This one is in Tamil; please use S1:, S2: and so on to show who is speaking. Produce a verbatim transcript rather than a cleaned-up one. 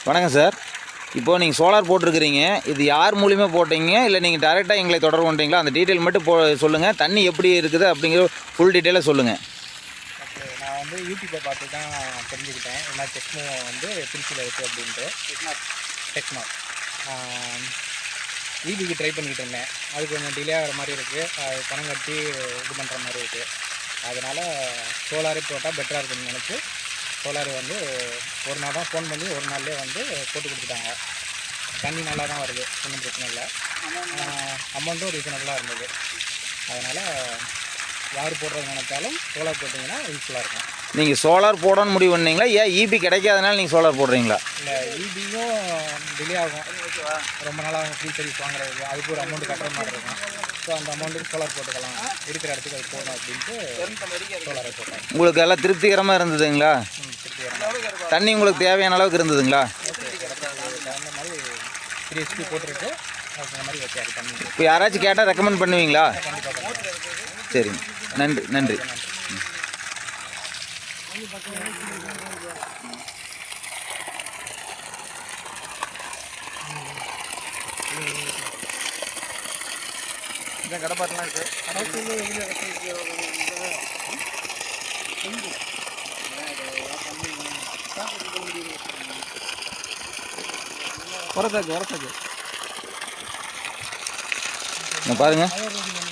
S1: வணக்கம் சார். இப்போது நீங்கள் சோலார் போட்டிருக்கிறீங்க, இது யார் மூலிமா போட்டீங்க, இல்லை நீங்கள் டேரெக்டாக எங்களை தொடர்பு பண்ணுறீங்களா? அந்த டீட்டெயில் மட்டும் போ சொல்லுங்கள். தண்ணி எப்படி இருக்குது அப்படிங்கிற ஃபுல் டீட்டெயிலாக சொல்லுங்கள்.
S2: ஓகே, நான் வந்து யூடியூப்பை பார்த்து தான் தெரிஞ்சுக்கிட்டேன். என்ன டெக்னோ வந்து திருச்சியில் இருக்குது அப்படின்ட்டு. டெக்னோ ஈபிக்கு ட்ரை பண்ணிக்கிட்டு இருந்தேன். அது கொஞ்சம் டிலே ஆகிற மாதிரி இருக்குது. அது பணம் கட்டி இது பண்ணுற மாதிரி இருக்குது. அதனால் சோலாரே போட்டால் பெட்டராக இருக்குதுன்னு நினச்சி சோலார் வந்து ஒரு நாள் தான் ஃபோன் பண்ணி ஒரு நாள்லேயே வந்து போட்டு கொடுத்துட்டாங்க. தண்ணி நல்லா தான் வருது, ஒன்றும் பிரச்சனை இல்லை. அமௌண்ட்டும் ரீசனபுளாக இருந்தது. அதனால் யார் போடுறது நினைச்சாலும் சோலார் போட்டிங்கன்னா யூஸ்ஃபுல்லாக இருக்கும்.
S1: நீங்கள் சோலார் போடணும்னு முடிவு பண்ணீங்களா, ஏன் ஈபி கிடைக்காதனால நீங்கள் சோலார் போடுறீங்களா?
S2: இல்லை, ஈபியும் டிலே ஆகும், ரொம்ப நாளாக ஃப்ரீ சர்வீஸ் வாங்குறது, அதுக்கு ஒரு அமௌண்ட்டு கட்டுற மாதிரி இருக்கும். ஸோ அந்த அமௌண்ட்டுக்கு சோலார் போட்டுக்கலாம், இருக்கிற இடத்துக்கு அது போகணும் அப்படின்ட்டு சோலாரை போட்டேன்.
S1: உங்களுக்கு எல்லாம் திருப்திகரமாக இருந்ததுங்களா? தண்ணி உங்களுக்கு தேவையான அளவுக்கு இருந்ததுங்களா?
S2: அந்த மாதிரி த்ரீ ஹெச்பி போட்டுருக்கு, அந்த மாதிரி வச்சாரு தண்ணி.
S1: இப்போ யாராச்சும் கேட்டால் ரெக்கமெண்ட் பண்ணுவீங்களா? சரிங்க, நன்றி நன்றி.
S2: கடை பாட்டெலாம் இருக்குது.
S1: வரத்தாக்கு வரத்தாக்கு பாருங்கள்.